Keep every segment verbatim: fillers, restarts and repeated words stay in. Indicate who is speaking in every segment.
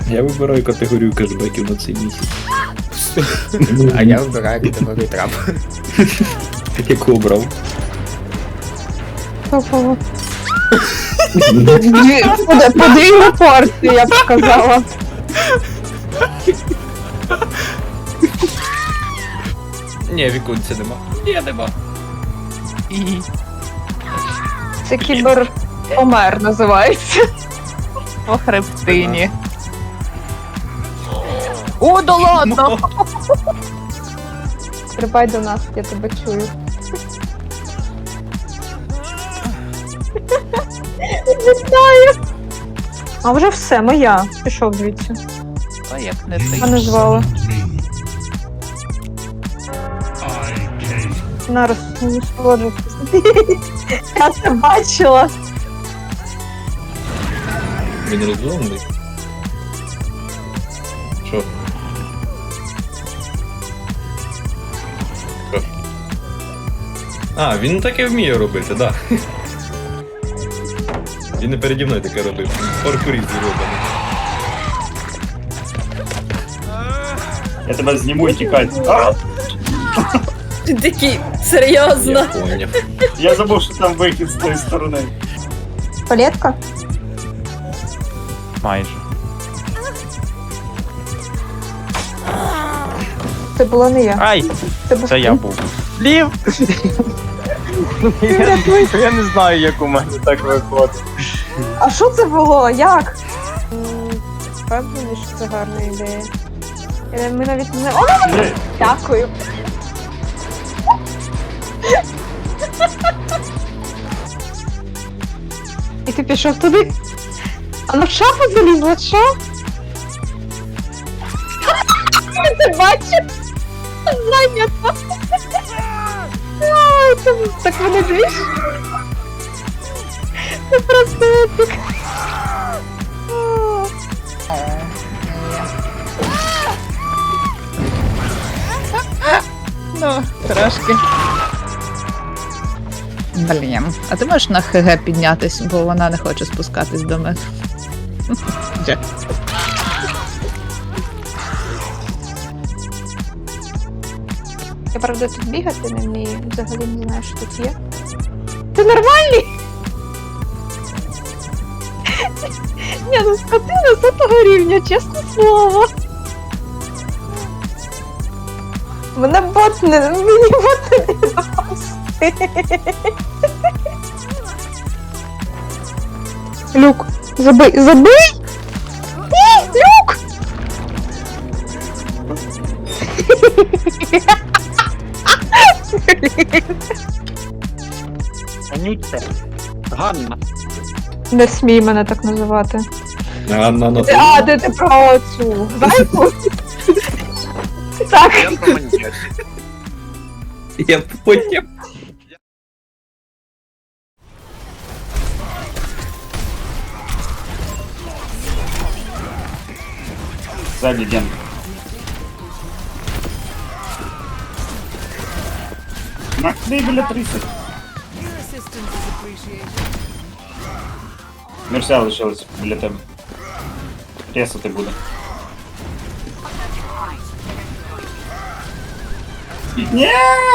Speaker 1: Я вибираю категорію кешбеків на цей місяць.
Speaker 2: А я вибираю категорію трап.
Speaker 1: Яку обрав?
Speaker 3: Топово. Подвійну порцію, я б сказала.
Speaker 1: Ні, віконця нема. Ні, нема. І...
Speaker 3: Це кібер помер називається. По хребтині. О, да ладно! Стрибай до нас, я тебе чую. Вітаю! А вже все, моя. Пішов звідси.
Speaker 4: А як не ти?
Speaker 3: Мене звали. На розсолоджуватися. Я це бачила.
Speaker 1: Він розумний. Що? Що? А, він таке вміє робити, так. Да. Він не переді мною таке робив. Паркурів зроблений.
Speaker 5: Я тебе зніму і тікай. А!
Speaker 6: Ти такий, серйозно?
Speaker 1: Я поняв.
Speaker 5: Я забув, що там вихід з тої сторони.
Speaker 3: Палетка?
Speaker 4: Майже.
Speaker 3: Це була не я.
Speaker 4: Ай!
Speaker 3: Це був
Speaker 4: Це я був. Лів! я, я не знаю, як у мене так виходить.
Speaker 3: А що це було? Як? Впевнений, що це гарна ідея. Е, Ми навіть не... О,
Speaker 5: Ні.
Speaker 3: дякую. І ти пішов туди? А в шафу залізла, що? Ти бачиш? Зайнято. А, це- Так вони двіж? Це просто епік.
Speaker 7: Ну, трошки. Блін, а ти можеш на ХГ піднятись, бо вона не хоче спускатись до мене. Де?
Speaker 3: Я, правда, тут бігати не вмію, взагалі не знаю, що тут є. Ти нормальний? Ні, ну скотина з того рівня, чесне слово. Мене бот не... Мені бот не допасти. Люк, забий, забий! Ні, Люк!
Speaker 4: Анютка. Ганна.
Speaker 3: Не смій мене так називати.
Speaker 1: А, на, на,
Speaker 3: А, де ти про цю зайку? Так.
Speaker 1: Я поняв.
Speaker 5: Ззаді Ген. Нахуй біля тридцять. Мерся лишилась біля тебе. Ресати буде. Ні!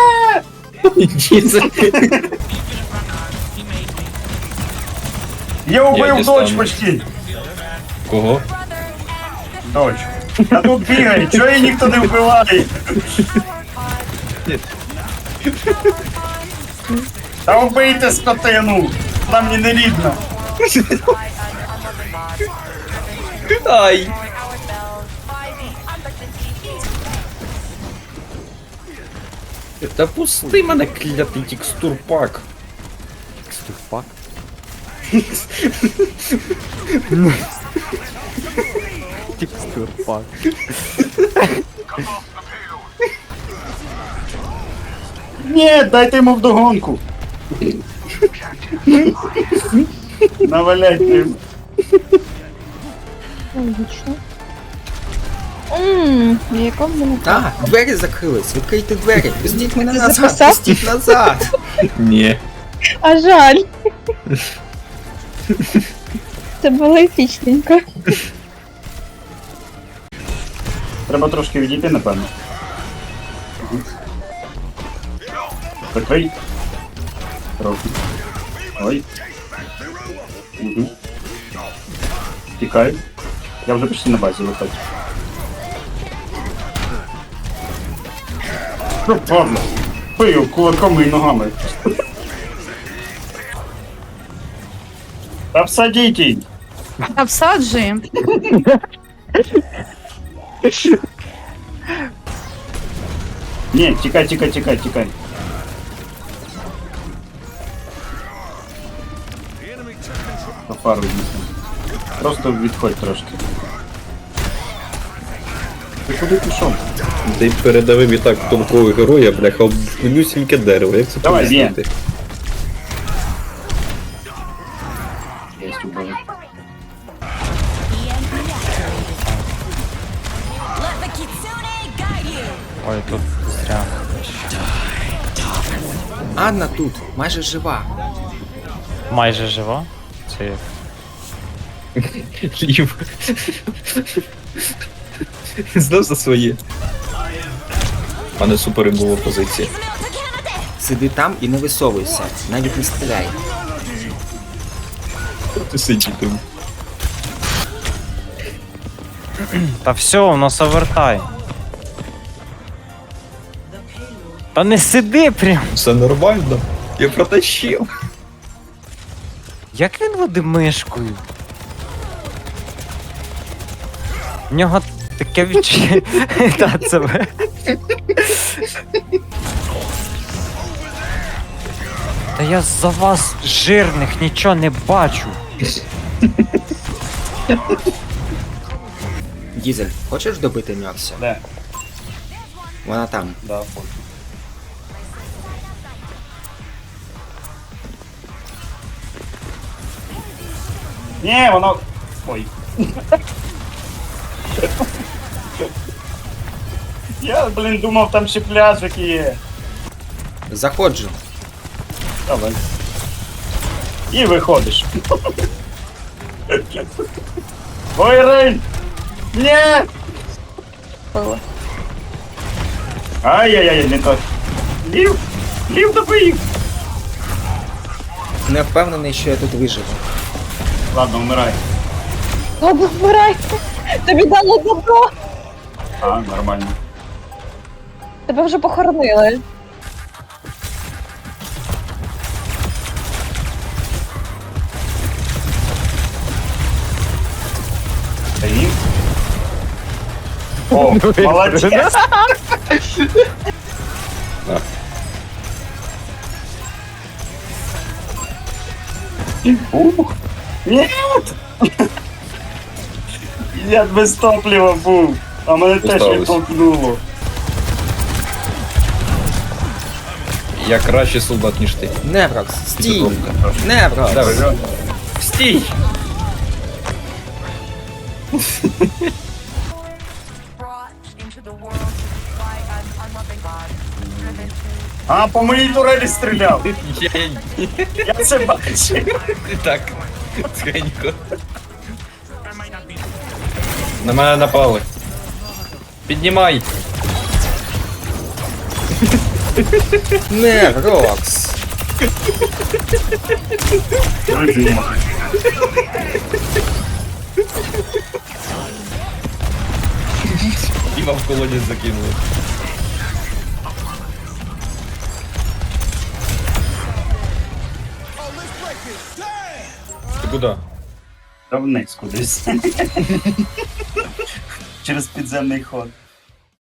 Speaker 5: Я
Speaker 1: Я
Speaker 5: убив
Speaker 1: дістану.
Speaker 5: дочь почти.
Speaker 1: Кого?
Speaker 5: Дочь. А тут бігає, чого її ніхто не вбиває? Та вбийте скотину! Вона мені не рідна.
Speaker 1: Ай! Та пусти мене, клятий текстурпак.
Speaker 4: Текстурпак? Текстурпак.
Speaker 5: Ні, дайте йому вдогонку. Навалять йому.
Speaker 3: Логічно. Ммм, якому мене...
Speaker 2: А, двері закрились, відкрийте двері. Пустіть мене
Speaker 3: Ти
Speaker 2: назад,
Speaker 3: записав?
Speaker 2: пустіть назад.
Speaker 1: Ні.
Speaker 3: А жаль. Це було епічненько.
Speaker 5: Треба трошки відійти, напевно. Угу. Прикрий. Трохи. Ой. Угу. Тікай. Я вже почти на базі виходжу. Що падла? Пию кулаками і ногами. Обсадіть її!
Speaker 7: Обсаджуємо.
Speaker 5: Ні, тікай, тікай, тікай, тікай. По фару дійсно. Просто відходь трошки. Ти куди пішов?
Speaker 1: Ти передавив і так тонкого героя, бляха, об менюсіньке дерево. Як це
Speaker 5: Давай,
Speaker 1: пояснити?
Speaker 5: Єсть убили.
Speaker 4: Ой, тут зря.
Speaker 2: Анна тут, майже жива.
Speaker 4: Майже жива. Це як?
Speaker 1: Лів. Знав за своє. У мене супер була позиція.
Speaker 2: Сиди там і не висовуйся, навіть не стріляй.
Speaker 1: Ти сидітиму.
Speaker 4: Та все, у нас овертай. Та не сиди прям.
Speaker 1: Все нормально. Я протащив.
Speaker 4: Як він веде мишкою? В нього таке відчуття. Та це ви. Та я за вас жирних нічого не бачу.
Speaker 2: Дізель, хочеш добити Мерсі?
Speaker 5: Де?
Speaker 2: Вона там.
Speaker 5: Да, хочу. Ні, воно... Ой. Я, блін, думав, там ще пляжик є.
Speaker 2: Заходжу.
Speaker 5: Давай. І виходиш. Ой, Рейн! Ні!
Speaker 3: Пила.
Speaker 5: Ай-яй-яй, не так. Лів! Лів добив!
Speaker 2: Не впевнений, що я тут виживу.
Speaker 5: Ладно, вмирай.
Speaker 3: Ладно, вмирай. Тобі дало добро.
Speaker 5: А, нормально.
Speaker 3: Тебе вже похоронили.
Speaker 5: Стоїм. О, молодець! Ух! Нет! Я без топлива був, а мене теж
Speaker 1: Осталось.
Speaker 5: відтолкнуло.
Speaker 1: Я кращий солдат, ніж ти.
Speaker 2: Неврокс, стій!
Speaker 1: Підробка.
Speaker 2: Неврокс!
Speaker 1: Давай. Стій!
Speaker 5: А, по моїй турелі стріляв.
Speaker 1: Я,
Speaker 5: Я це бачив.
Speaker 1: так, тихенько. На мене напали. Піднімай!
Speaker 2: Неврокс!
Speaker 1: Діма в колодязь закинули. Ти куди?
Speaker 5: Та вниз кудись. Через підземний ход.